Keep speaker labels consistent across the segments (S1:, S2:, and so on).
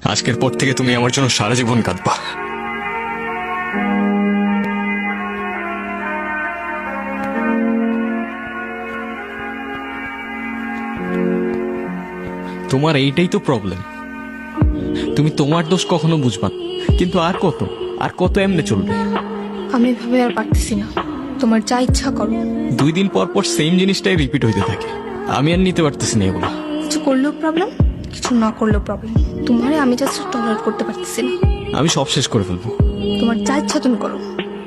S1: আজকের পর থেকে তুমি আমার জন্য সারা জীবন কাঁদবা। তোমার এইটাই তো প্রবলেম, তুমি তোমার দোষ কখনো বুঝবা না। কিন্তু আর কত এমনি চলবে?
S2: আমি এভাবে আর পারতেছি না, তোমার যা ইচ্ছা করো।
S1: 2 দিন পর পর সেম জিনিসটাই রিপিট হইতে থাকে, আমি আর নিতে পারতেছি না এগুলো।
S2: কিছু করলেও প্রবলেম, কিছু না করলেও প্রবলেম। তোমারে আমি জাস্ট টলারেট করতে পারতেছি না।
S1: আমি সব শেষ করে ফেলবো।
S2: তোমার যা ইচ্ছা তুমি করো।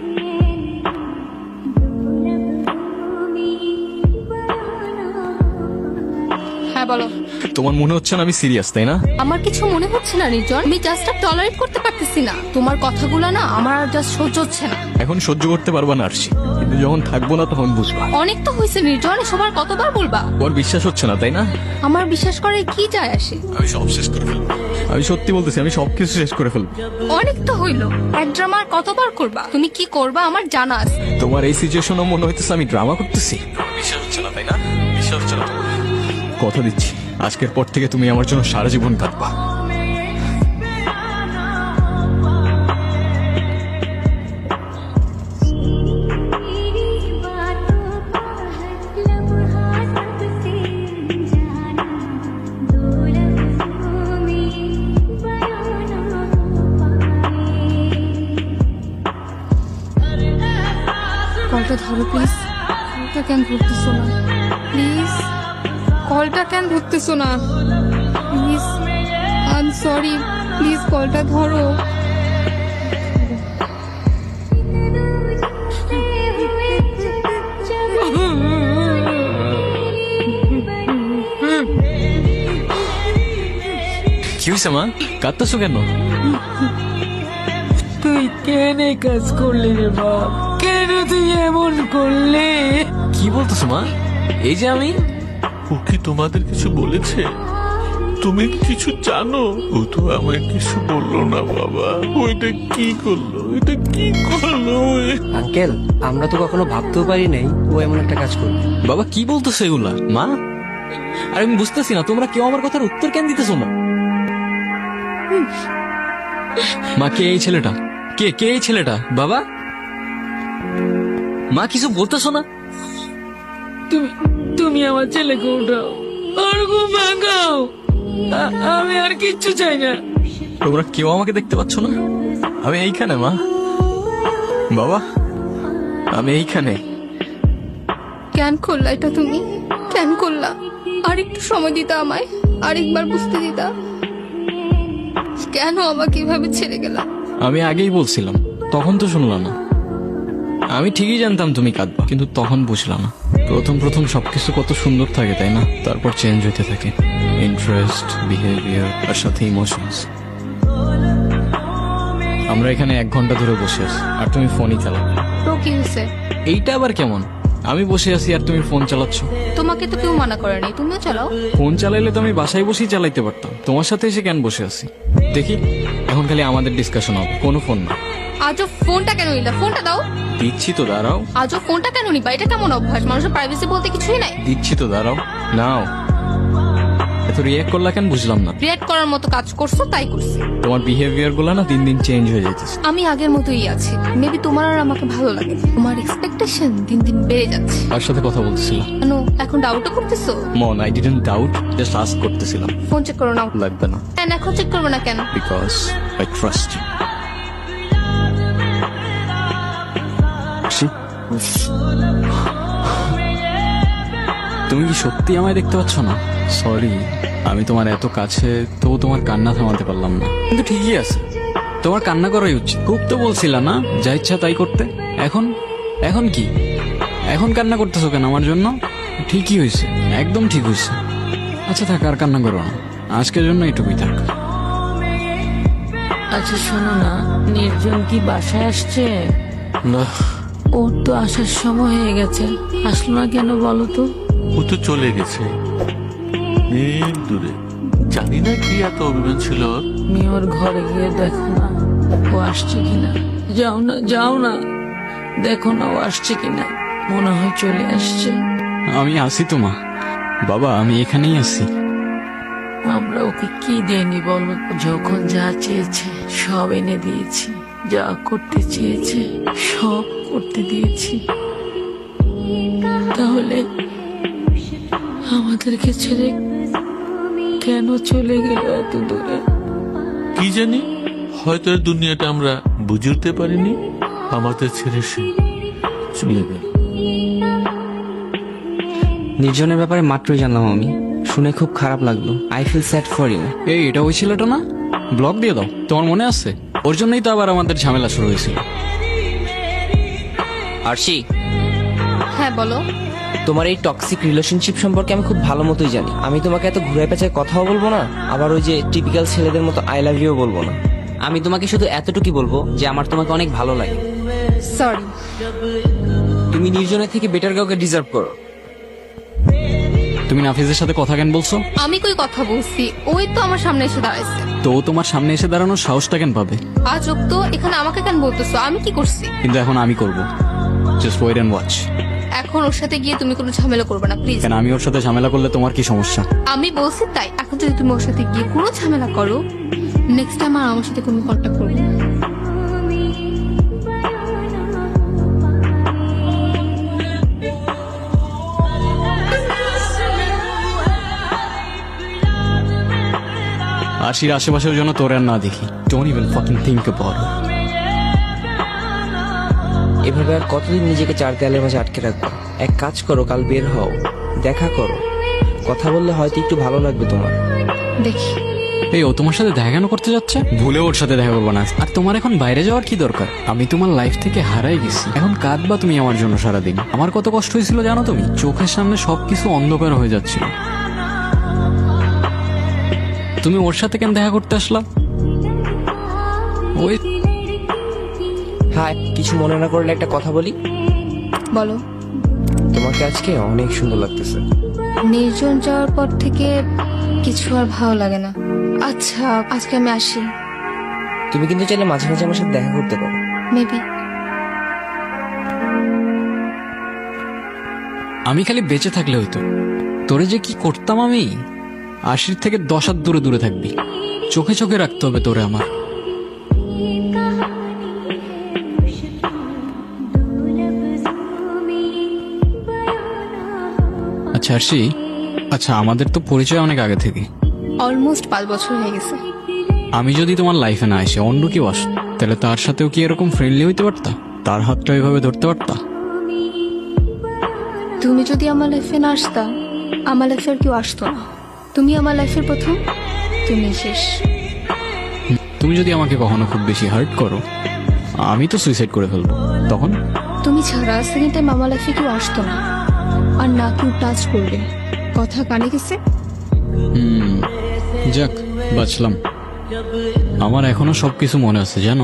S2: হ্যাঁ বলো।
S1: তোমার মনে হচ্ছে না আমি সিরিয়াস, তাই না?
S2: আমার কিছু মনে হচ্ছে না নির্জন, আমি জাস্ট টলারেট করতে পারতেছি না। তোমার কথাগুলো না আমার আর জাস্ট সহ্য হচ্ছে না।
S1: এখন সহ্য করতে পারবা না আরশি, কিন্তু যখন থাকবো না তখন বুঝবা।
S2: অনেক তো হয়েছে নির্জন, সবার কতবার বলবা?
S1: তোমার বিশ্বাস হচ্ছে না, তাই না?
S2: আমার বিশ্বাস করে কি যায় আসে?
S1: আমি সব শেষ করে ফেলবো। আমি সত্যি বলতেছি, আমি সবকিছু শেষ করে ফেলবো।
S2: অনেক তো হইলো, এক ড্রামা আর কতবার করবা? তুমি কি করবা আমার জানা আছে।
S1: তোমার এই সিচুয়েশনও মনে হইতেছে আমি ড্রামা করতেছি। বিশ্বাস হচ্ছে না, তাই না? বিশ্বাস হচ্ছে না তোমার? কথা দিচ্ছি, আজকের পর থেকে তুমি আমার জন্য সারা জীবন কাঁদবা।
S2: কলটা ধরো প্লিজ। কলটা কেন ধরতেছো না প্লিজ? কলটা কেন ধরতেছো না please? I am sorry, please কলটা ধরো।
S1: কি হয়েছে মা, কাঁদতেছো কেন?
S3: তুই কেন এই কাজ করলি রে বাপ? কেন তুই এমন করলি?
S1: কি বলতেছো মা? এই যে আমি।
S4: ও কি তোমাদের কিছু বলেছে? তুমি কিছু জানো? ও তো আমায় কিছু বললো না বাবা। ওইটা কি করলো? এটা কি করলো?
S5: আঙ্কেল, আমরা তো কখনো ভাবতেও পারি নাই ও এমন একটা কাজ করবে।
S1: বাবা কি বলতেছো এগুলা মা? আর আমি বুঝতেছি না, তোমরা কেউ আমার কথার উত্তর কেন দিতেছো না? মা, কে এই ছেলেটা? কে এই ছেলেটা? বাবা, মা কিছু বলতেছো না?
S3: তুমি আমার ছেলেকে উঠাও, আর ঘুম ভাঙাও। আমি আর কিচ্ছু চাই না।
S1: তোমরা কেউ আমাকে দেখতে পাচ্ছ না? আমি এইখানে মা, বাবা, আমি এইখানে।
S2: কেন করলা এটা তুমি? কেন করলা? আর একটু সময় দিতা আমায়, আরেকবার বুঝতে দিতা। কেন আমাকে এভাবে ছেড়ে গেলা?
S1: আমি আগেই বলছিলাম, তখন তো শুনলা না। আমি ঠিকই জানতাম তুমি কাঁদবা, কিন্তু তখন বুঝলাম না। প্রথম সবকিছু কত সুন্দর থাকে, তাই না? তারপর চেঞ্জ হতে থাকে ইন্টারেস্ট, বিহেভিয়ার আর সাথে ইমোশনস। আমরা এখানে 1 ঘন্টা ধরে বসে আছি আর তুমি ফোনই চালাও।
S2: তো কি হয়েছে?
S1: এইটা আবার কেমন? আমি বসে আছি আর তুমি ফোন চালাচ্ছ।
S2: তোমাকে তো কেউ মানা করেনি, তুমিও চালাও।
S1: ফোন চালাইলে তো আমি বাসায় বসেই চালাইতে পারতাম, তোমার সাথে এসে কেন বসে আছি? দেখি, এখন খালি আমাদের ডিসকাশন হবে, কোনো ফোন না।
S2: আজও ফোনটা কেন নিলা? ফোনটা দাও।
S1: দিচ্ছি তো, দাঁড়াও।
S2: আজও ফোনটা কেন নিবা? এটা কেমন অভ্যাস? মানুষের প্রাইভেসি বলতে কিছুই নাই।
S1: দিচ্ছি তো, দাঁড়াও। নাও। এত রিয়াক্ট করলা কেন বুঝলাম না।
S2: রিয়েক্ট করার মতো কাজ করছো তাই করছি।
S1: তোমার বিহেভিয়ার গুলো না দিন দিন চেঞ্জ হয়ে যাইতেছে।
S2: আমি আগের মতোই আছি, মেবি তোমার আর আমাকে ভালো লাগে। তোমার এক্সপেকটেশন দিন দিন বেড়ে যাচ্ছে।
S1: তার সাথে কথা বলতেছিলাম।
S2: কেন এখন ডাউটও করতেছো?
S1: মন, I didn't doubt, just ask করতেছিলাম।
S2: ফোন চেক করো না।
S1: লাগবে না,
S2: কেন এখন চেক করবে না কেন?
S1: Because I trust you. তুমি কি সত্যি আমায় দেখতে পাচ্ছ না? সরি, আমি তোমার এত কাছে, তবু তোমার কান্না থামাতে পারলাম না। কিন্তু ঠিকই আছে, তোমার কান্না করাই উচিত। খুব তো বলছিলা না যা ইচ্ছা তাই করতে। এখন কি? এখন কান্না করতেছো কেন আমার জন্য? ঠিকই হয়েছে, একদম ঠিক হয়েছে। আচ্ছা থাক, আর কান্না করো না, আজকের জন্য এটুকুই থাক।
S3: আচ্ছা শোনো না, নির্জন কি বাসায় আসছে?
S4: না,
S3: ওর তো আসার সময় হয়ে গেছে, আসলো না কেন বলো তো?
S4: ও তো চলে গেছে অনেক দূরে। জানি না কি এত অভিমান ছিল ওর।
S3: তুমি ওর ঘরে গিয়ে দেখো না ও আসছে কিনা। যাও না, দেখো না ও আসছে কিনা। মনে হয় চলে আসছে।
S1: আমি আসি তো মা। বাবা, আমি এখানেই আছি।
S3: আমরা ওকে কি দেয়নি বলো? যখন যা চেয়েছে সব এনে দিয়েছি, যা করতে চেয়েছে সব করতে দিয়েছি। তাহলে আমাদেরকে ছেড়ে কেন চলে গেল এত দূরে?
S4: কি জানি, হয়তো এই দুনিয়াটা আমরা বুঝে উঠতে পারিনি। আমাদের ছেড়ে সে চলে গেল।
S5: নির্জনের ব্যাপারে মাত্রই জানলাম আমি, শুনে খুব খারাপ লাগলো। I feel sad for you.
S1: এই এটা ওই ছেলেটা না? ব্লক দিয়ে দাও, তোমার মনে আছে? ওর জন্যই তো আবার আমাদের ঝামেলা শুরু হয়েছিল।
S5: আরশি,
S2: হ্যাঁ বলো।
S5: তোমার এই টক্সিক রিলেশনশিপ সম্পর্কে আমি খুব ভালো মতোই জানি। আমি তোমাকে এত ঘুরে পেঁচায় কথাও বলবো না, আবার ওই যে টিপিক্যাল ছেলেদের মতো আই লাভ ইউ বলবো না। আমি তোমাকে শুধু এতটুকুই বলবো যে আমার তোমাকে অনেক ভালো লাগে।
S2: সরি।
S5: তুমি নির্জনের থেকে বেটার কাউকে ডিজার্ভ করো।
S1: তুমি নাফিজের সাথে কথা কেন বলছো?
S2: আমি কই কথা বলছি, ওই তো আমার সামনে এসে দাঁড়াইছে।
S1: তো ও তোমার সামনে এসে দাঁড়ানোর সাহসটা কেন পাবে?
S2: আজব তো, এখানে আমাকে কেন বলতেছো? আমি কি করছি?
S1: কিন্তু এখন আমি করব। Just wait and watch.
S2: এখন ওর সাথে গিয়ে তুমি কোনো ঝামেলা করবে না প্লিজ।
S1: কেন, আমি ওর সাথে ঝামেলা করলে তোমার কি সমস্যা?
S2: আমি বলছি তাই। এখন যদি তুমি ওর সাথে গিয়ে কোনো ঝামেলা করো, নেক্সট টাইম আর আমার সাথে কোনো কন্ট্যাক্ট করবে না।
S1: আশির আশেপাশের জন্য তোর আর না দেখি। Don't even fucking think about it.
S5: এভাবে আর কতদিন নিজেকে চার দেয়ালের মাঝে আটকে রাখবো? এক কাজ করো, কাল বের হও, দেখা করো, কথা বললে হয়তো একটু ভালো লাগবে তোমার।
S2: দেখি।
S1: এই ও তোমার সাথে দেখা কেন করতে যাচ্ছে? ভুলে ওর সাথে দেখা করবো না। আর তোমার এখন বাইরে যাওয়ার কি দরকার? আমি তোমার লাইফ থেকে হারাই গেছি, এখন কাঁদবা তুমি আমার জন্য সারাদিন। আমার কত কষ্ট হয়েছিল জানো তুমি? চোখের সামনে সবকিছু অন্ধকার হয়ে যাচ্ছিল। তুমি ওর সাথে কেন দেখা করতে আসলা? ওই
S5: হ্যাঁ, কিছু মনে না করলে একটা কথা বলি।
S2: বলো।
S5: তোমাকে আজকে অনেক সুন্দর লাগতেছে।
S2: নির্জন যাওয়ার পর থেকে কিছু আর ভালো লাগে না। আচ্ছা আজকে আমি আসি।
S5: তুমি কিন্তু চাইলে মাঝে মাঝে আমার সাথে দেখা করতে পারো।
S2: মেবি।
S1: আমি খালি বেঁচে থাকলে হইতো। তোরে যে কি করতাম আমি। আশির থেকে 10 হাত দূরে দূরে থাকবি। চোখে চোখে রাখতে হবে তোরে আমার। আচ্ছা আরশি, আচ্ছা আমাদের তো পরিচয় অনেক আগে থেকে।
S2: অলমোস্ট 5 বছর হয়ে গেছে।
S1: আমি যদি তোমার লাইফে না এসে অন্য কেউ আসতো, তাহলে তার সাথেও কি এরকম ফ্রেন্ডলি হইতে পারতা? তার হাতটা এভাবে ধরতে পারতা?
S2: তুমি যদি আমার লাইফে না আসতা, আমার লাইফে আর কেউ আসতো না। তুমি আমার লাইফের প্রথম, তুমি শেষ।
S1: তুমি যদি আমাকে কখনো খুব বেশি হার্ট করো, আমি তো সুইসাইড করে ফেলবো। তখন
S2: তুমি ছাড়া সেকেন্ড টাইম আমার লাইফে কেউ আসতো না, আর না কেউ টাচ করবে। কথা কানে গেছে?
S1: যাক, বাঁচলাম। আমার এখনো সবকিছু মনে আছে জানো।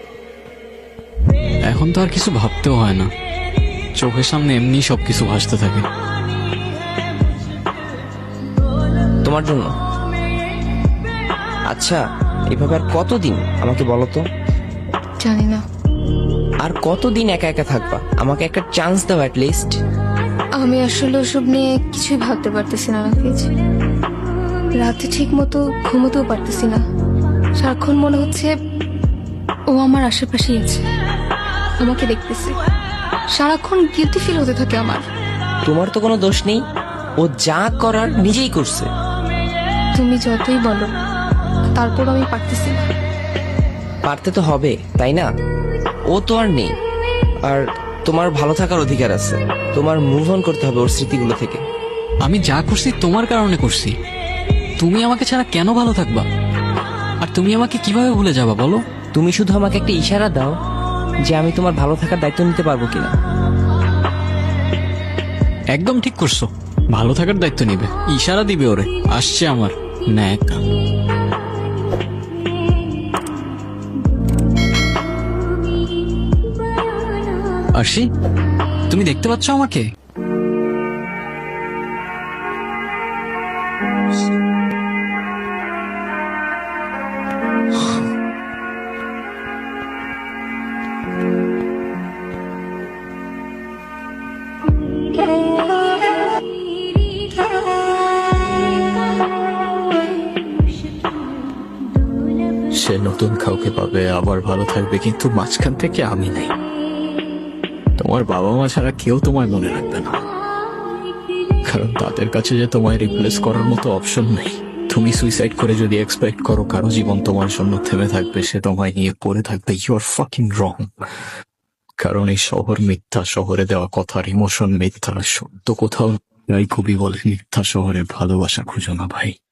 S1: এখন তো আর কিছু ভাবতেও হয় না, চোখের সামনে এমনি সবকিছু ভাসতে থাকে।
S5: তোমার জন্য। আচ্ছা, এভাবে আর কতদিন আমাকে বলো তো?
S2: জানি না।
S5: আর কতদিন একা একা থাকবা? আমাকে একটা চান্স দাও অ্যাট লিস্ট।
S2: আমি আসলে ওসব নিয়ে কিছুই ভাবতে পারতেছি না নাফিজ। রাতে ঠিক মতো ঘুমোতেও পারতেছি না। সারাক্ষণ মনে হচ্ছে ও আমার আশেপাশেই আছে, আমাকে দেখতেছে। সারাক্ষণ গিলটি ফিল হতে থাকে আমার।
S5: তোমার তো কোনো দোষ নেই, ও যা করার নিজেই করছে।
S2: তুমি যতই বলো, তারপর আমি পারতেছি না।
S5: পারতে তো হবে, তাই না? ও তো আর নেই, আর তোমার ভালো থাকার অধিকার আছে। তোমার মুভ অন করতে হবে ওর স্মৃতিগুলো থেকে।
S1: আমি যা করছি তোমার কারণে করছি। তুমি আমাকে ছাড়া কেন ভালো থাকবা? আর তুমি আমাকে কিভাবে ভুলে যাবা বলো?
S5: তুমি শুধু আমাকে একটা ইশারা দাও যে আমি তোমার ভালো থাকার দায়িত্ব নিতে পারবো কিনা।
S1: একদম ঠিক করছো, ভালো থাকার দায়িত্ব নিবে। ইশারা দিবে ওরে, আসছে আমার ন্যাক। আরশি, তুমি দেখতে পাচ্ছ আমাকে? সে নতুন কাউকে পাবে, আবার ভালো থাকবে, কিন্তু মাঝখান থেকে আমি নেই। তোমার বাবা মা ছাড়া কেউ তোমায় মনে রাখবে না, কারণ তাদের কাছে যে তোমায় রিপ্লেস করার মতো অপশন নেই। তুমি সুইসাইড করে যদি এক্সপেক্ট করো কারো জীবন তোমার জন্য থেমে থাকবে, সে তোমায় নিয়ে পড়ে থাকবে, ইউ আর ফাকিং রং। কারণ এই শহর মিথ্যা, শহরে দেওয়া কথার ইমোশন মিথ্যা, সত্য কোথাও। তাই কবি বলে, মিথ্যা শহরে ভালোবাসা খুঁজো না ভাই।